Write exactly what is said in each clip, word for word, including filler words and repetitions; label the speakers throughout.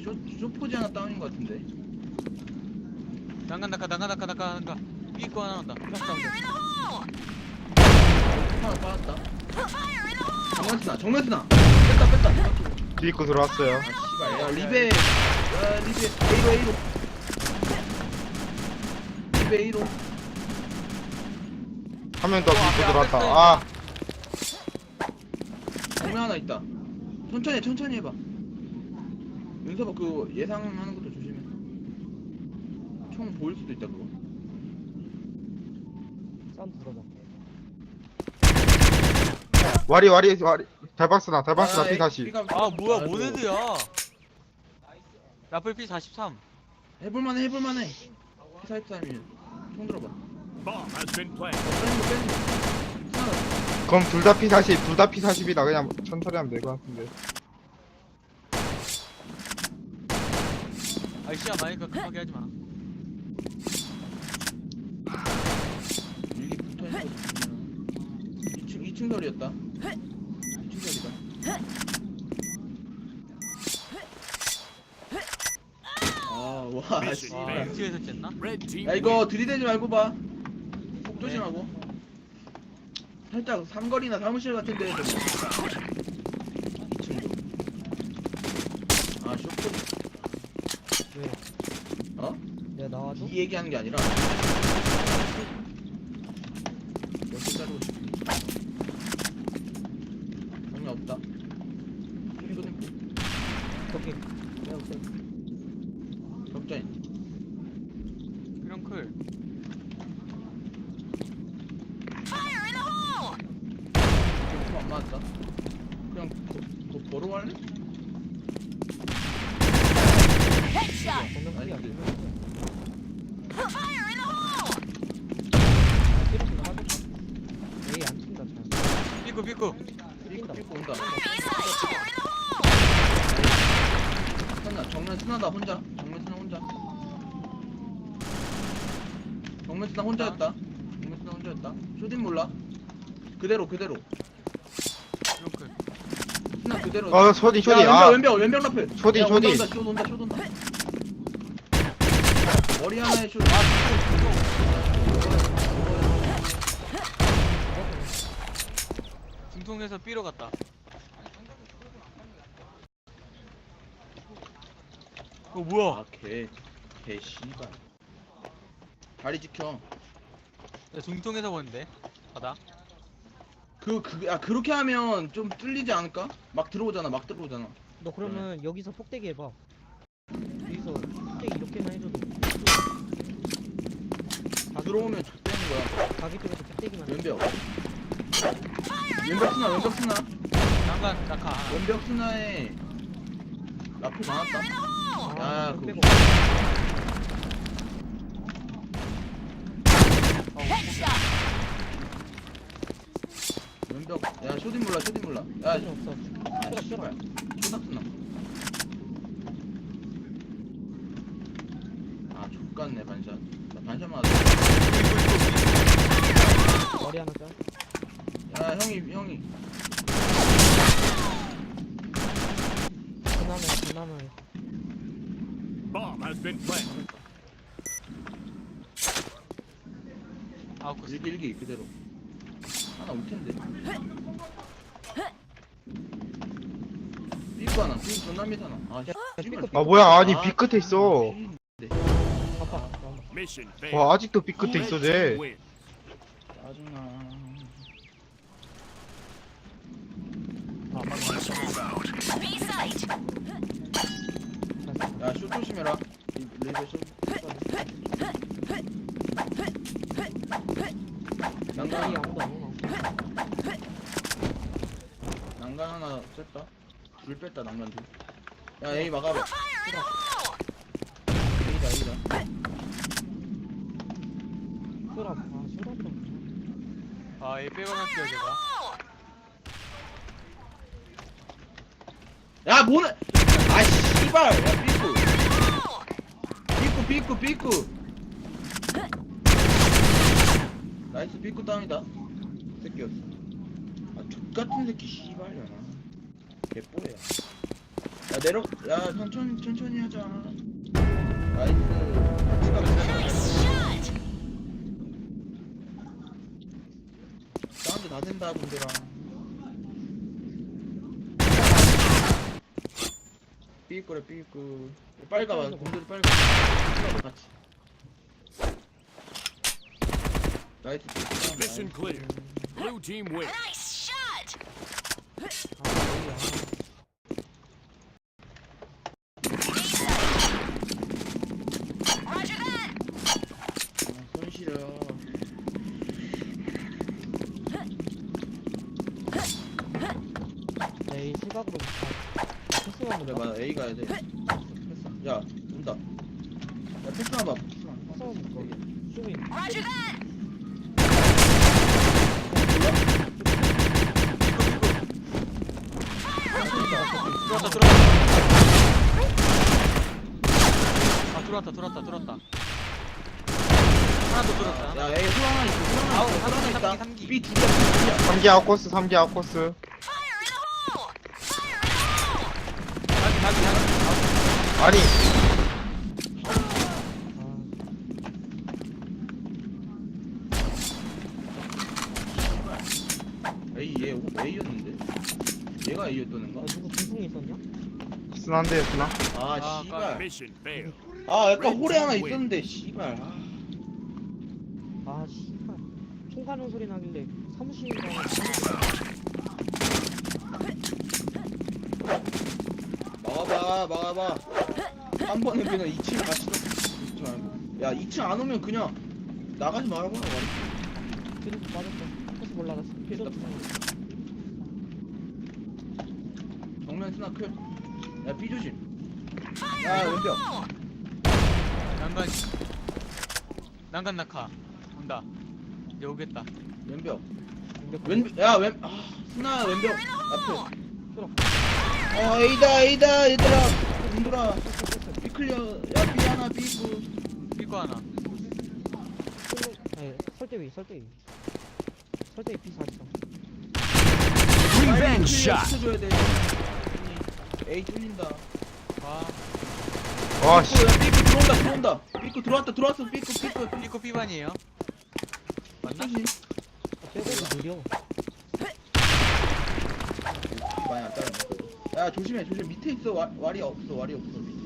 Speaker 1: 쇼, 쇼포지 하나 다운인 것 같은데.
Speaker 2: 난간 낙하 난간 낙하 낙하 난간 삐고 하나 난다.
Speaker 1: 하나 빠졌다. 정면스나 정면스나 뺐다 뺐다.
Speaker 3: 뒤입고 들어왔어요.
Speaker 1: 아 씨발 야 리베 야 리베 A로 A로 리베 A로.
Speaker 3: 한 명 더
Speaker 2: 어,
Speaker 3: 뒤입고
Speaker 2: 앞에,
Speaker 3: 들어왔다.
Speaker 2: 앞에
Speaker 3: 아,
Speaker 1: 정면 하나 있다. 천천히 천천히 해봐. 윤서봐 그 예상하는 것도 조심해. 총 보일 수도 있다 그거.
Speaker 4: 사운드 들어봐.
Speaker 3: 와리 와리 와리. 달박스나 달박스나
Speaker 1: 아,
Speaker 3: 피 다시.
Speaker 1: B가-
Speaker 2: 아 뭐야
Speaker 1: 아이고.
Speaker 2: 모네드야. 라플 피 사십삼.
Speaker 1: 해볼만해 해볼만해. 피사이프삼이면 총 들어봐.
Speaker 5: Bomb has been planted.
Speaker 1: 빼는 거 빼는 거. 하나
Speaker 3: 그럼 둘 다 피 사십, 둘 다 피 사십이다. 그냥 천천히 하면 될 것 같은데.
Speaker 2: 아이 시야 많으니까 급하게 하지 마.
Speaker 1: 일기 붙어있는 거 보면 이 층 이 층 설이었다. 이 층 설이다. 아와
Speaker 5: 미션
Speaker 1: 씨.
Speaker 2: 와
Speaker 5: 네.
Speaker 2: 엠티에서 쨌나?
Speaker 5: Red team.
Speaker 1: 야 이거 들이대지 말고 봐. 폭 조심하고. 살짝 삼거리나 사무실 같은 데에서 이 층도. 아 쇼트.
Speaker 4: 왜?
Speaker 1: 어?
Speaker 4: 내가 나와줘?
Speaker 1: 이 얘기하는 게 아니라 몇개 자르고 싶니? 정리 없다. 쇼딩
Speaker 4: 오케이. 내가 볼게.
Speaker 1: 격자인.
Speaker 2: 이런 클.
Speaker 1: 조금 안 맞았다. 그냥 거, 거 보러 갈래?
Speaker 4: 정면 크기야.
Speaker 1: 아니,
Speaker 4: 이렇게 나가겠다. 에이 안 튄다 잘.
Speaker 2: 삐꾸 삐꾸.
Speaker 1: 삐꾸 삐꾸 온다. 스나 정면 스나다 혼자. 정면 스나 혼자. 정면 스나 혼자였다. 정면 스나 혼자였다. 쇼딘 몰라. 그대로 그대로.
Speaker 2: 이런 클.
Speaker 1: 스나 그대로.
Speaker 3: 어, 쇼디, 쇼디.
Speaker 1: 야,
Speaker 3: 아.
Speaker 1: 왼벽 왼벽 왼벽 라플.
Speaker 3: 쇼디,
Speaker 1: 야,
Speaker 3: 쇼디.
Speaker 1: 온다 온다 쇼 온다 쇼 온다. 머리 하나에 쇼. 아
Speaker 2: 중통에서 삐로 갔다. 어 뭐야?
Speaker 1: 아개개 씨발. 다리 지켜.
Speaker 2: 야, 중통에서 보는데. 바다.
Speaker 1: 그, 그, 아, 그렇게 하면 좀 뚫리지 않을까? 막 들어오잖아, 막 들어오잖아.
Speaker 4: 너 그러면 여기서 폭대기 해봐. 여기서 폭대기 이렇게만 해줘도. 가기
Speaker 1: 들어오면 족되는 거야.
Speaker 4: 쪽에서- 가기 쪽에서 폭대기만. 해.
Speaker 1: 왼벽. 왼벽 스나, 왼벽 스나.
Speaker 2: 난간 낙하 하나.
Speaker 1: 왼벽 스나에 라플 많았다.
Speaker 4: 아,
Speaker 1: 야,
Speaker 4: 그거
Speaker 1: 그거.
Speaker 4: 빼고.
Speaker 1: 왼벽. 야, 쇼딘 몰라, 쇼딘 몰라. 야,
Speaker 4: 필요 없어.
Speaker 1: 아,
Speaker 4: 쇼다,
Speaker 1: 씨발.
Speaker 4: 쇼다.
Speaker 1: 쇼닥 스나. 아, 족같네, 반샷. 나 반샷 맞았어.
Speaker 4: 머리 하나 짤.
Speaker 1: 야, 형이, 형이.
Speaker 4: 그나마 그나마.
Speaker 5: Bomb has been planted.
Speaker 2: 아우 그
Speaker 1: 일기, 일기, 그대로. 하나 올 텐데. 삐꾸 하나, 삐꾸 존나 밑하나. 아, 씨. 씨발.
Speaker 3: 아, 뭐야. 아니, 비 끝에 있어.
Speaker 4: 아빠.
Speaker 5: Mission failed.
Speaker 3: 와, 아직도 비 끝에
Speaker 5: Red
Speaker 3: 있어,
Speaker 5: team
Speaker 3: 쟤.
Speaker 5: win.
Speaker 1: 짜증나. 야, 쇼 조심해라. 이 레이저 쇼.
Speaker 4: 여기
Speaker 1: 난간,
Speaker 4: 아무도 안 오나?
Speaker 1: 난간 하나 뺐다. 둘 뺐다, 난간 둘. 야, A 막아봐. A다, A다.
Speaker 4: 쇼라. 아 쇼라 좀.
Speaker 2: 아얘 빼고 갈게요 제가.
Speaker 1: 야, 뭐는! 아, 씨발! 야, 삐꾸! 삐꾸, 삐꾸, 삐꾸! 나이스, 삐꾸 다운이다. 새끼였어. 아, 족같은 새끼, 씨발려나. 개뽀야. 야, 내려 야 천천히 천천히 하자. 나이스. 사운드 다 된다 분들아. 삐일 거래 삐일 거. 빨리 가봐 분들 빨리 가. 같이. 나이스.
Speaker 5: Mission clear. Blue team win.
Speaker 4: 아 여기야.
Speaker 1: 아, 손 시려.
Speaker 4: 에이 실각으로 패스만
Speaker 1: 그래
Speaker 4: 볼까?
Speaker 1: 맞아 A 가야 돼. 패스. 야 온다. 야 패스만 봐. 패스만.
Speaker 4: 패스만 볼까? 쇼인.
Speaker 2: 들어왔다 들어왔다. 아 들어왔다 들어왔다 들어왔다. 하나 더 들어왔다. 하나.
Speaker 1: 야 A 후 하나 있어. 후 하나
Speaker 2: 아우,
Speaker 1: 있어. 후 하나
Speaker 2: 삼기,
Speaker 1: 있다.
Speaker 2: 삼기.
Speaker 1: B 두 개야. B 두 개야.
Speaker 3: 삼 기 아웃코스 삼 기 아웃코스.
Speaker 2: 자기 자기 자기.
Speaker 3: 아니
Speaker 1: A 얘 A였는데. 얘가 A였다는
Speaker 4: 아
Speaker 1: 거?
Speaker 4: 누구 중통이 있었냐?
Speaker 3: 순한데 순한.
Speaker 1: 아
Speaker 2: 아,
Speaker 1: 씨발.
Speaker 5: Mission failed.
Speaker 1: 아 약간 홀에 하나 있었는데 씨발. 아.
Speaker 4: 아 씨발 총 가는 소리 나길래 사무실인가
Speaker 1: 막아봐 막아봐. 한 번은 그냥 이 층 같이 좀. 야 이 층 안 오면 그냥 나가지 말아봐.
Speaker 4: 계속 맞았어 패스 올라갔어 계속
Speaker 1: 정면 스나 클. 야 B 조심. 야 왼벽.
Speaker 2: 난간 난간 낙하 온다. 이제 오겠다.
Speaker 1: 왼벽.
Speaker 4: 공격
Speaker 1: 왼, 야, 왼, 아, 스나 왼벽 앞에. 어, A다, A다, 얘들아. 얘들아. B 클리어. 야, B 하나, B 있고.
Speaker 2: 삐거 하나.
Speaker 4: 네, 설대 위 설대 위 설대 위 피 사십삼
Speaker 5: Revenge shot.
Speaker 1: 붙여줘야 돼. A 뚫린다.
Speaker 2: 와.
Speaker 3: 와씨.
Speaker 1: 삐꾸, 야, 삐꾸 들어온다, 들어온다. 삐꾸 들어왔다, 들어왔어. 삐꾸, 삐꾸, 삐꾸.
Speaker 2: 삐거 삐반이에요. 맞나?
Speaker 1: 조심.
Speaker 4: 빼고도 느려
Speaker 1: 많이 안 따르네. 야, 조심해, 조심. 밑에 있어. 와, 왈이 없어, 왈이 없어. 밑에.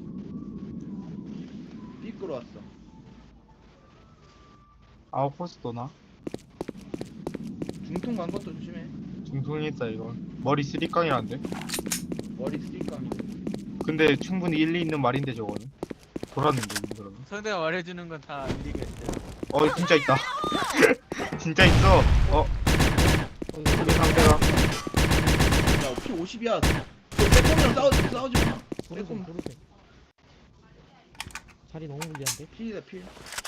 Speaker 1: 삐꾸로 왔어.
Speaker 3: 아웃코스 도나?
Speaker 1: 중통 간 것도 조심해.
Speaker 3: 중통이 있다 이거. 머리 쓰리깡이란데.
Speaker 1: 머리 스틱감이.
Speaker 3: 근데 충분히 일리 있는 말인데 저거는. 돌았는데 그러면.
Speaker 2: 상대가 말해주는 건 다 일리겠대.
Speaker 3: 어 진짜 있다. 진짜 있어. 어 우리 상대가
Speaker 1: 야, 피 오십이야. 빼꼼이랑 싸우지, 싸우지 마.
Speaker 4: 부르세
Speaker 1: 빼꼼.
Speaker 4: 부르세 자리 너무 불리한데?
Speaker 1: 필이다, 필.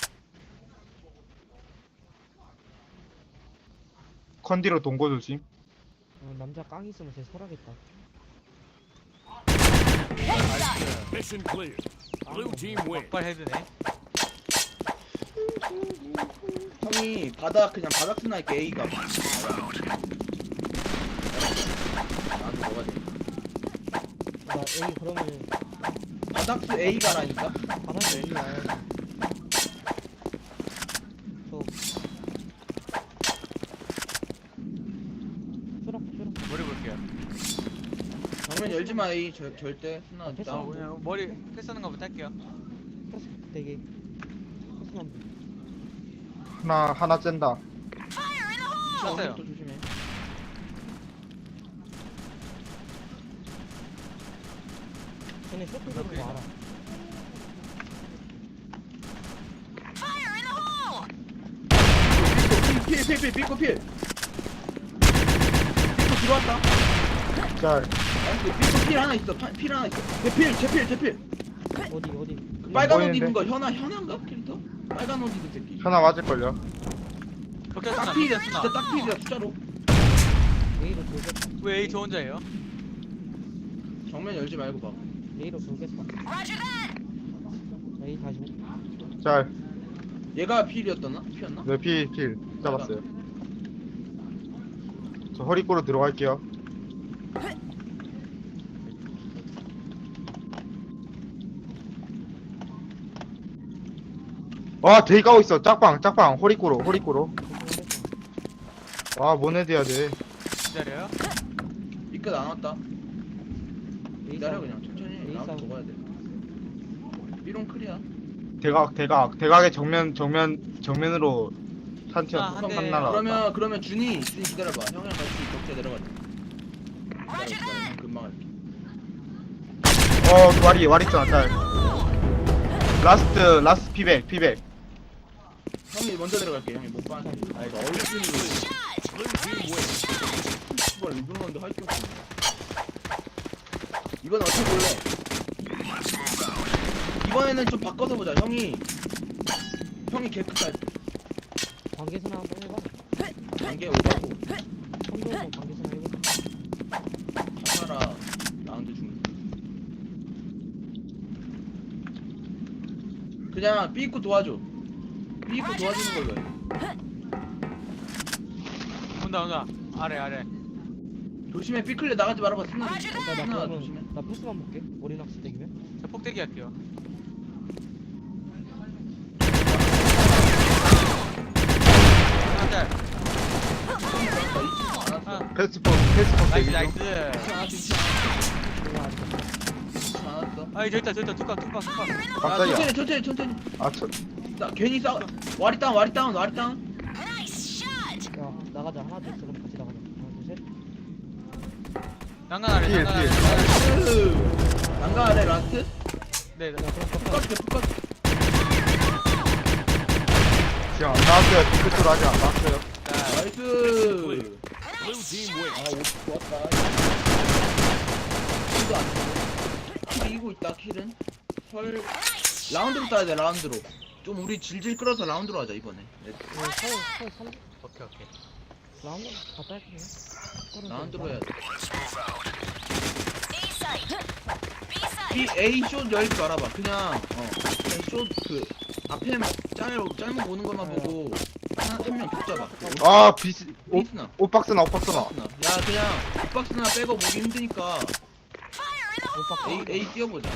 Speaker 3: 컨디로 동고 조심.
Speaker 4: 어, 남자 깡 있으면 쟤 설하겠다
Speaker 5: Mission clear. Blue team win.
Speaker 2: 막발 헤드네.
Speaker 1: 형이 바닥 그냥 바닥 스나 할게 A가. 나도 뭐가 돼?
Speaker 4: 나 A 그러면
Speaker 1: 바닥 스 A가라니까.
Speaker 4: 바닥에 A 와야지 저 쭈락 쭈락
Speaker 2: 머리 볼게요.
Speaker 1: 정면 열지 마 A 절, 절대 스나
Speaker 4: 아, 패스
Speaker 2: 아
Speaker 1: 다운.
Speaker 2: 그냥 머리 패스하는 거부터 할게요.
Speaker 4: 패스 되게 패스만 보
Speaker 3: 하나 하나 쨘다.
Speaker 2: 쐈어요.
Speaker 1: 또 조심해.
Speaker 4: 쟤네 쇼트 보는 거 알아
Speaker 1: 필, 필, 필, 삐꼬 필. 삐꼬 들어왔다.
Speaker 3: 짤.
Speaker 1: 나이스. 삐꼬 필 하나 있어. 파, 필 하나 있어. 제필, 제필, 제필.
Speaker 4: 어디 어디
Speaker 1: 그 빨간 옷
Speaker 3: 보이는데?
Speaker 1: 입은 거 현아, 현아인가 캐릭터? 빨간 옷 입은 새끼.
Speaker 3: 하나 맞을걸요.
Speaker 2: 벽자스나
Speaker 1: 딱 필이야, 진짜
Speaker 2: 벽자스나.
Speaker 1: 딱 필이야 숫자로.
Speaker 4: A로 돌겠다
Speaker 2: 왜 A 저 혼자예요?
Speaker 1: 정면 열지 말고 봐.
Speaker 4: A로 돌겠다 A 사십오
Speaker 3: 짤.
Speaker 1: 얘가 필이었더나? 피였나?
Speaker 3: 네, 필, 필. 잡았어요. 저 허리꼬로 들어갈게요. 와 되게 까고 있어. 짝방 짝방 호리꼬로 호리꼬로. 와 모네드 해야 돼.
Speaker 2: 기다려요.
Speaker 1: 이끝 안 왔다. 기다려
Speaker 4: 에이스
Speaker 1: 그냥 천천히
Speaker 4: 에이스
Speaker 1: 라운드
Speaker 4: 하고.
Speaker 1: 먹어야 돼. 삐롱 클리어.
Speaker 3: 대각 대각 대각의 정면 정면 정면으로 산티어
Speaker 2: 아, 한 대.
Speaker 3: 산나라.
Speaker 1: 그러면 그러면 준이 준이 기다려봐. 형이랑 같이 격자 내려가자. 기다려 기다려. 형 금방 할게.
Speaker 3: 어 와리 와리 있잖아 짤. 라스트 라스트 피백 피백.
Speaker 1: 형이 먼저 내려갈게. 형이 못 봐. 아 이거 얼굴이
Speaker 5: Blue team wins.
Speaker 1: 씨발 이분만도 할 게 없네. 이번 어떻게 볼래? 이번에는 좀 바꿔서 보자. 형이 형이 개크까지
Speaker 4: 관계선화 한번 해봐.
Speaker 1: 단계 오가고
Speaker 4: 성동도 관계선화 해보자.
Speaker 1: 하나라 라운드 중. 그냥 B 입고 도와줘. B 입고 도와주는 걸로 해.
Speaker 2: 온다 온다. 아래 아래.
Speaker 1: 조심해. B 클리어 나가지 말아봐. 스나
Speaker 4: 나, 나
Speaker 1: 스나 조심해.
Speaker 4: 그러면 나 패스만 볼게. 머리 낚시 땡기면.
Speaker 2: 저 폭대기 할게요. 한달. 아,
Speaker 3: 패스포 패스포
Speaker 2: 나이스
Speaker 3: 대기
Speaker 2: 나이스.
Speaker 3: 중.
Speaker 4: 이거 안 돼.
Speaker 1: 않았어.
Speaker 2: 아 저기 있다 저기 있다 뚜껑 뚜껑 뚜껑.
Speaker 1: 야,
Speaker 3: 깜짝이야.
Speaker 1: 천천히 천천히 천천히.
Speaker 3: 아 저,
Speaker 1: 나 괜히 싸. 와리 다운 와리 다운 와리 다운.
Speaker 4: 야 나가자. 하나 둘 셋. 그럼 같이 나가자. 하나 둘 셋.
Speaker 2: 난간 아래
Speaker 3: 뒤에,
Speaker 2: 난간 아래.
Speaker 3: 뒤에.
Speaker 2: 난간 아래.
Speaker 1: 나이스. 난가 아래 라스트.
Speaker 2: 네. 네.
Speaker 4: 야 그럼
Speaker 1: 푹
Speaker 4: 깜빡.
Speaker 1: 가줄게 푹 가줄게.
Speaker 3: 지금 안 나왔어요. 뒤끝으로 아직 안 나왔어요.
Speaker 2: 자,
Speaker 1: 나이스.
Speaker 5: Blue team
Speaker 1: 아,
Speaker 5: wins.
Speaker 1: 옷 좋았다. 킬도 안 주고. 킬 이기고 있다, 킬은. 설. 라운드로 따야 돼, 라운드로. 좀 우리 질질 끌어서 라운드로 하자, 이번에. 네,
Speaker 4: 이거 서울 서울 삼
Speaker 2: 오케이 오케이.
Speaker 4: 라운드 갔다 할게.
Speaker 1: 라운드로 해야 돼. B, A 숏 열지 말아봐. 그냥, 어. 그냥 숏, 그, 앞에 짤, 짤목 오는 것만 보고, 한, 한명 격잡아.
Speaker 3: 아 비스 오
Speaker 1: 비스나.
Speaker 3: 오박스나 오박스나.
Speaker 1: 야, 그냥, 빅박스나 빼고 보기 힘드니까,
Speaker 4: 오빠
Speaker 1: A, A 뛰어보자.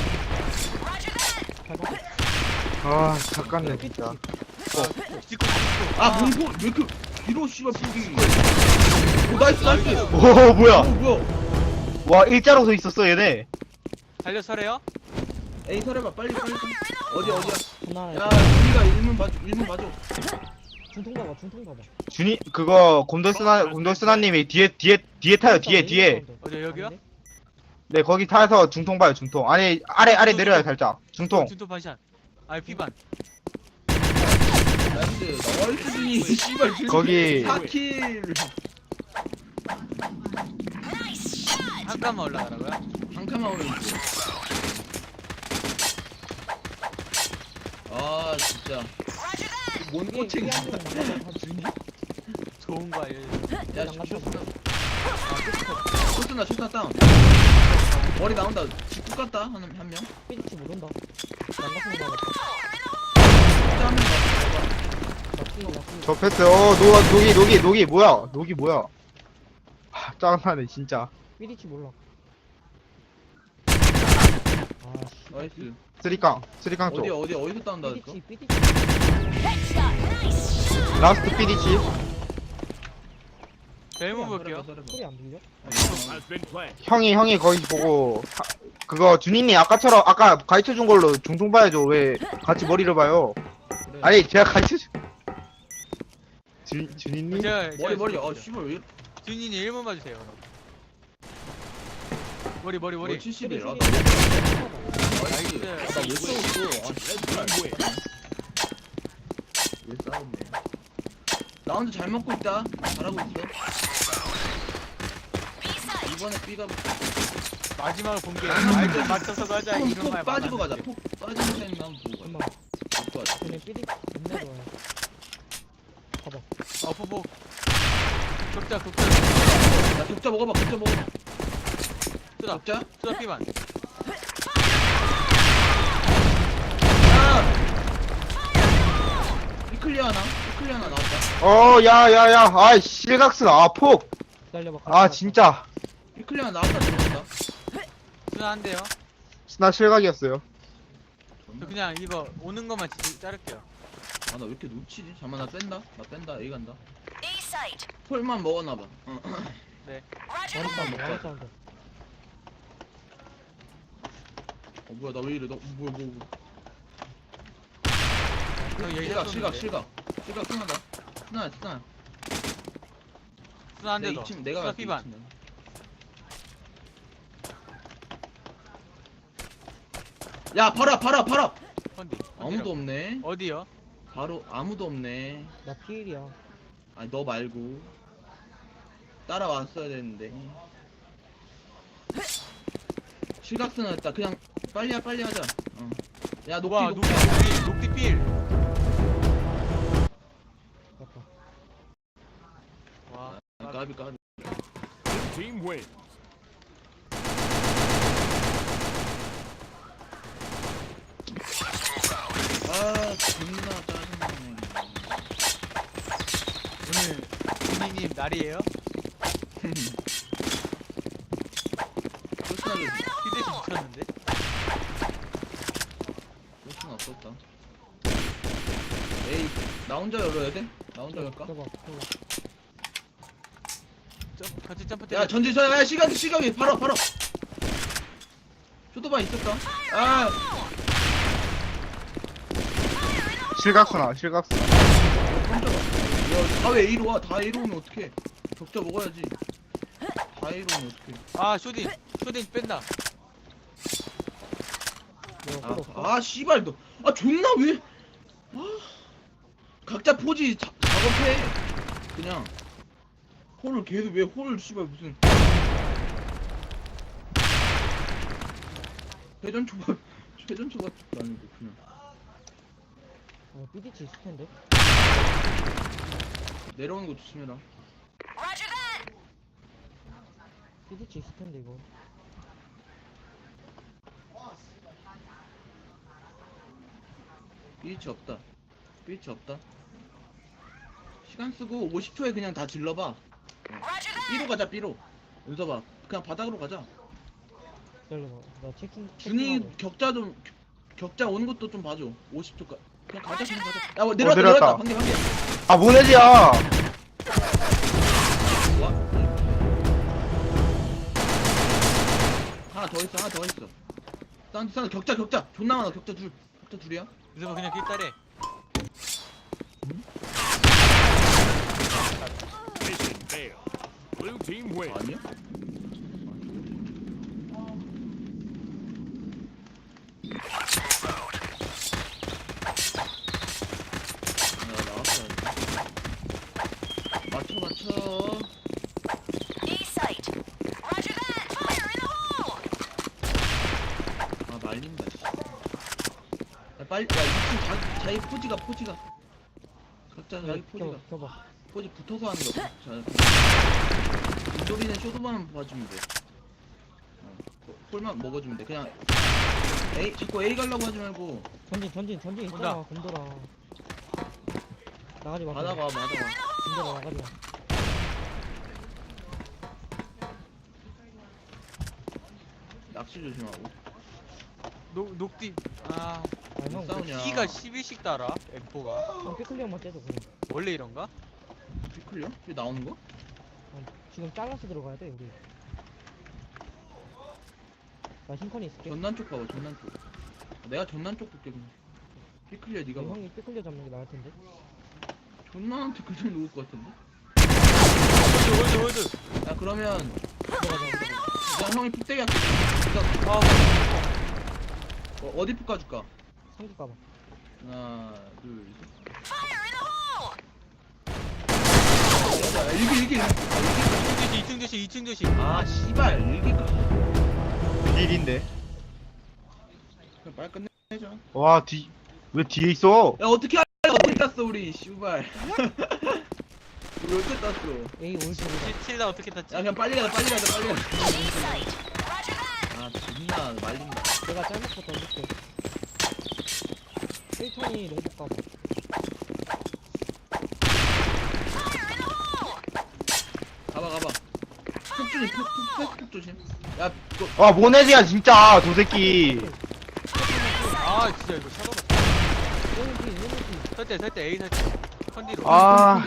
Speaker 3: 아 잠깐네 진짜.
Speaker 2: 찍고 찍고.
Speaker 1: 아, 문포, 왜 이렇게, 뒤로 씨발 푸기. 오, 나이스, 나이스.
Speaker 3: 오
Speaker 1: 오,
Speaker 3: 뭐야?
Speaker 1: 뭐야.
Speaker 3: 와 일자로 서 있었어 얘네.
Speaker 2: 달려 서래요.
Speaker 1: 에이, 설해봐, 빨리, 빨리. 빨리. 어디, 어디야?
Speaker 4: 하나.
Speaker 1: 야, 우리가 일문 봐줘, 일문 봐줘.
Speaker 4: 중통 봐봐. 중통 봐봐.
Speaker 3: 준이 그거 곰돌스나 곰돌스나님이 뒤에 뒤에 뒤에 타요 뒤에 뒤에.
Speaker 2: 어디 여기요?
Speaker 3: 네 거기 타서 중통 봐요 중통. 아니 아래 아래 내려요 살짝. 중통.
Speaker 2: 준토 반샷. 아 피반.
Speaker 1: 나이스, 나이스, 준이. 씨발, 준이.
Speaker 3: 거기-
Speaker 1: 사 킬.
Speaker 2: 한 칸만 올라가라고요?
Speaker 1: 한 칸만 오면 있어. 아, 진짜. 뭔 꼬챙이. 준이?
Speaker 2: 좋은 거 알려줘.
Speaker 1: 야, 쇼스나. 쇼스나, 쇼스나 다운. 머리 나온다. 직구 같다, 한, 한 명.
Speaker 4: 삐리치 모른다. 난가슴 나갔다.
Speaker 1: 진짜 한명 나왔다.
Speaker 4: 낚시 낚시.
Speaker 3: 저 패스. 어 노, 녹이 녹이 녹이 뭐야? 녹이 뭐야? 하, 짜증나네 진짜.
Speaker 4: 삐리치 몰라. 아씨.
Speaker 1: 나이스.
Speaker 3: 쓰리깡 쓰리깡
Speaker 1: 어디,
Speaker 3: 쪽.
Speaker 1: 어디, 어디서 다운다, 했어?
Speaker 4: 삐리치 삐리치.
Speaker 3: 라스트 피디치.
Speaker 2: 벨문 볼게요.
Speaker 4: 소리 안 들려?
Speaker 5: Has been planted.
Speaker 3: 형이 형이 거기 보고 하, 그거 준이님 아까처럼 아까 가르쳐 준 걸로 중통 봐야죠. 왜 같이 머리를 봐요?
Speaker 1: 그래.
Speaker 3: 아니 제가 가르쳐 준. 준 준이님?
Speaker 2: 제가
Speaker 1: 머리, 머리. 아, 씨발, 왜 이래?
Speaker 2: 준이님 일 번 봐주세요. 머리 머리 머리.
Speaker 1: 머리 칠십일. 아,
Speaker 4: 삐리치.
Speaker 1: 나이스. 아, 나왜 싸웠어? 아, 씨발. 왜 싸웠네. 라운드 잘 먹고 있다. 잘하고 있어. 이번에 B가
Speaker 2: 마지막으로 본 게 말좀 맞춰서 가자
Speaker 1: 톡,
Speaker 2: 이런
Speaker 1: 톡
Speaker 2: 말
Speaker 1: 빠지고 가자.
Speaker 2: 많았는데.
Speaker 1: 톡 빠지는 타임 라운드 보고
Speaker 4: 엄마.
Speaker 1: 가자. 좋을 것 같아.
Speaker 4: 쟤네 삐리치 겁나 좋아해. 봐봐.
Speaker 2: 어 포포. 격자 격자.
Speaker 1: 야, 격자 먹어봐. 격자 먹어봐.
Speaker 2: 쏘다
Speaker 1: 격자?
Speaker 2: 쏘다 피반.
Speaker 1: 야! 이클리어 하나? 이클리어 하나 나왔다.
Speaker 3: 어 야야야 아이 실각스 아폭.
Speaker 4: 기다려봐.
Speaker 3: 아 진짜
Speaker 1: 이클리어 하나 나왔다. 들어온다.
Speaker 2: 쏘다 한대요.
Speaker 3: 나 실각이었어요.
Speaker 2: 저 그냥 이거 오는 것만 지- 자를게요.
Speaker 1: 아 나 왜 이렇게 놓치지? 잠깐만 나 뺀다 나 뺀다 A 간다
Speaker 6: A site.
Speaker 1: 폴만 먹었나봐 어.
Speaker 2: 네.
Speaker 6: Roger
Speaker 4: 와리
Speaker 6: that.
Speaker 4: 사운드 와리 사운드.
Speaker 1: 어 뭐야 나 왜 이래 나 뭐야 뭐 뭐.
Speaker 2: 형 여기
Speaker 1: 실각
Speaker 2: 샀었는데.
Speaker 1: 실각 실각 실각 승하다 승하야 승하야
Speaker 2: 수나 한대
Speaker 1: 내
Speaker 2: 더.
Speaker 1: 이 층 내가
Speaker 2: 수나
Speaker 1: 갈게
Speaker 2: 피반.
Speaker 1: 이 층 내가. 야 바로 앞 바로 앞 바로 앞
Speaker 2: 컨디.
Speaker 1: 아무도 없네
Speaker 2: 어디요?
Speaker 1: 바로 아무도 없네
Speaker 4: 나 피일이야.
Speaker 1: 아니 너 말고 따라왔어야 되는데 실각승 했다 그냥 빨리 하 빨리 하자 어. 야 녹디
Speaker 2: 와
Speaker 1: 녹디
Speaker 2: 녹디 녹디 필.
Speaker 4: 맞다.
Speaker 2: 와.
Speaker 1: 아, 까비 까비
Speaker 5: Blue team wins.
Speaker 1: 아 존나 짜증나네
Speaker 2: 오늘 준이님 날이에요?
Speaker 1: person하게
Speaker 2: 히데시 미쳤는데?
Speaker 1: person 없었다 에이 나 혼자 열어야 돼? 나 혼자 열까?
Speaker 4: 껴봐 껴봐.
Speaker 2: 점 같이 점프
Speaker 1: 야
Speaker 2: 때려.
Speaker 1: 전지선 야 시각 시각이 바로 바로 쇼도바 있었다 아
Speaker 3: 실각수나 실각수나.
Speaker 1: 깜짝아 야다왜 A로 와다 A로 오면 어떡해 격자 먹어야지 다 A로 오면 어떡해
Speaker 2: 아 쇼딘 쇼딘 뺀다.
Speaker 4: 내가
Speaker 1: 아,
Speaker 4: 홀 없어.
Speaker 1: 아 씨발 너 아 존나 왜 아, 각자 포지 자, 작업해 그냥 홀을 계속 왜 홀을 씨발 무슨 회전 초밥 회전 초밥도 아니고 그냥
Speaker 4: 어, 삐디치 있을 텐데.
Speaker 1: 내려오는 거 조심해라
Speaker 6: Roger that.
Speaker 4: 삐디치 있을 텐데 이거.
Speaker 1: 비치 없다 비치 없다 시간 쓰고 오십 초에 그냥 다 질러봐
Speaker 6: Roger that.
Speaker 1: B로 가자 B로 윤서봐 그냥 바닥으로 가자
Speaker 4: 기다려봐. 나 체킹.
Speaker 1: 준이
Speaker 4: 체킹하고.
Speaker 1: 격자 좀 격자 오는 것도 좀 봐줘 오십 초까지 그냥 가자 그냥 가자 야 뭐, 내려왔다
Speaker 3: 내려왔다.
Speaker 1: 내려왔다 방개 방개
Speaker 3: 아 모네지야.
Speaker 1: 와 하나 더 있어 하나 더 있어 사운드 사운드 격자 격자 존나 많아 격자 둘 격자 둘이야
Speaker 2: 그래서 그냥 길따래.
Speaker 5: Mission failed. Blue team wins.
Speaker 1: 아니야? 야 나왔어 맞춰 맞춰
Speaker 6: A site. Roger that. Fire in the hole.
Speaker 1: 아 말린다 씨. 야 빨리 야 이층 자, 자기 포지가 포지가 각자 자기 포지가
Speaker 4: 껴 껴봐.
Speaker 1: 포지 붙어서 하는 거 자 인돌이는 쇼도만 봐주면 돼 어, 홀만 먹어주면 돼 그냥 A 자꾸 A 가려고 하지 말고
Speaker 4: 전진 전진 전진 있잖아. 곰돌아. 나가지 마.
Speaker 1: 바다가 바다가
Speaker 4: 곰돌아 나가지 마.
Speaker 1: 낚시 조심하고
Speaker 2: 녹 녹디. 아
Speaker 4: 아 형.
Speaker 1: 싸우냐
Speaker 2: C가 십일씩 달아. 엠포가.
Speaker 4: 형 피클리어만 째줘 그럼.
Speaker 2: 원래 이런가?
Speaker 1: 피클리어? 왜 나오는 거?
Speaker 4: 어, 지금 잘라서 들어가야 돼 우리. 나 흰컨이 있을게.
Speaker 1: 전난 쪽 봐봐 전난 쪽 내가 전난 쪽 볼게 그냥 피클리어 니가 봐
Speaker 4: 형이 피클리어 잡는 게 나을 텐데.
Speaker 1: 전난한테 그냥 놓을 것 같은데
Speaker 2: 월드 월드 월드.
Speaker 1: 야 그러면
Speaker 4: 들어가자. 들어가자.
Speaker 1: 그냥 형이 푹대기 할게 그러니까
Speaker 2: 아
Speaker 1: 어, 어디 푹 가줄까?
Speaker 4: 성기 까봐.
Speaker 1: 하나 둘셋
Speaker 6: Fire in the hole.
Speaker 1: 야 일기 일기 아,
Speaker 2: 이 층 조심 이 층 조심 이 층 조심.
Speaker 1: 아 씨발 일기가
Speaker 3: 딜인데.
Speaker 1: 그냥 빨리 끝내자
Speaker 3: 와 뒤 왜 뒤에 있어?
Speaker 1: 야 어떻게 할래 어떻게 땄어 우리 씨발 우리 어떻게 땄어
Speaker 4: A 올드.
Speaker 2: 칠- 칠라 어떻게 탔지?
Speaker 1: 야 그냥 빨리 가자 빨리 가자 빨리 가자
Speaker 6: A site. Roger that.
Speaker 1: 아 존나 말린다
Speaker 4: 내가 짤막부터 던질게. 일천이 롱복 가봐.
Speaker 6: Fire in the hole.
Speaker 1: 가봐 가봐 푹 조심 푹푹푹 조심 야 그거
Speaker 3: 와 모네지야 진짜 저 새끼.
Speaker 2: 아 진짜 이거 샷오버.
Speaker 4: 일문피 일문피.
Speaker 2: 설대 설대 A 설대 컨디로
Speaker 3: 아,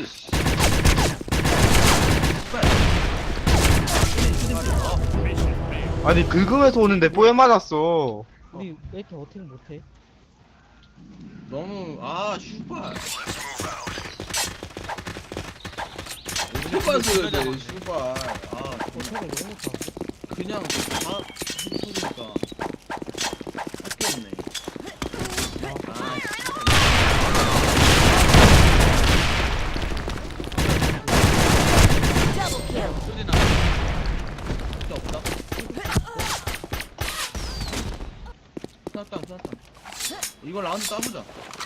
Speaker 1: 빨리. 쇼딘, 쇼딘. 아,
Speaker 5: Mission failed.
Speaker 3: 아니 긁으면서 오는데 뽀에 맞았어.
Speaker 4: 우리 왜 이렇게 어택 못해?
Speaker 1: 너무 아 슈발. 슈발 줘야 돼 슈발. 아
Speaker 4: 어택을 왜 못하고?
Speaker 1: 그냥 다 해주니까 할게 없네. 아
Speaker 6: Double kill.
Speaker 2: 쇼디나
Speaker 1: 진짜 없다. 수납당 수납당. 이걸 라운드 따보자.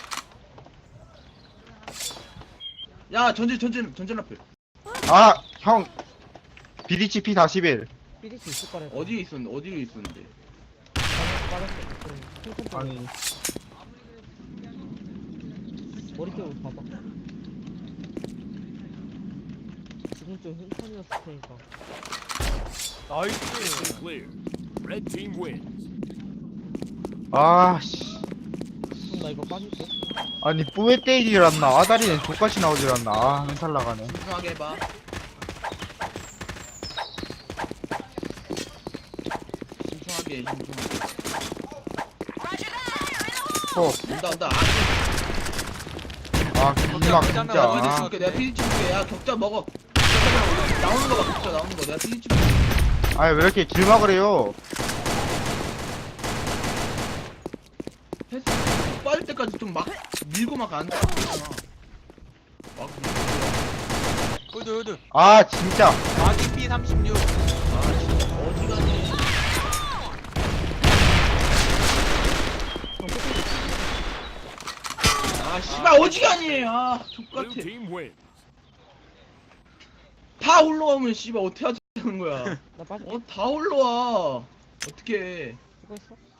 Speaker 1: 야 전진 전진 전진 라플.
Speaker 3: 아, 형. 비디치 피 사십일.
Speaker 4: 삐질 수 있을 거래.
Speaker 1: 어디에 있었는데 어디로 있었는데.
Speaker 4: 빠졌어. 그럼 핑크
Speaker 3: 아니,
Speaker 4: 머리 쪽으로 봐봐. 지금 좀 흰편이었을 테니까.
Speaker 2: 나이스
Speaker 5: Mission clear. Red team wins.
Speaker 3: 아, 씨.
Speaker 4: 그럼 나 이거 빠질게.
Speaker 3: 아니, 뽀에 때리질 않나. 아다리는 족같이 나오질 않나. 아, 멘탈 나가네.
Speaker 1: 신중하게 해봐. 신중하게 해, 신중하게.
Speaker 6: Roger that.
Speaker 3: 어,
Speaker 1: 온다 온다.
Speaker 3: 아, 길막 진짜.
Speaker 1: 아,
Speaker 3: 아,
Speaker 1: 줄게. 내가 피리치 줄게. 야 격자 먹어. 격자 나오는 거 봐. 격자 나오는 거. 내가 피리치 줄게.
Speaker 3: 아니, 왜 이렇게 길막을 해요?
Speaker 1: 패스 빠질 때까지 좀 막 밀고 막 안 돼. 막 밀고.
Speaker 2: 홀드 홀드
Speaker 3: 아, 진짜.
Speaker 2: 아기 피 삼십육
Speaker 1: 아 진짜 어지간히. 아 씨발 어지간히. 아
Speaker 5: Blue
Speaker 1: 족같아.
Speaker 5: team wins.
Speaker 1: 다 올라오면 씨발 어떻게 하자는 거야.
Speaker 4: 나 빠질게.
Speaker 1: 어 다 올라와. 어떻게?
Speaker 4: 수고했어.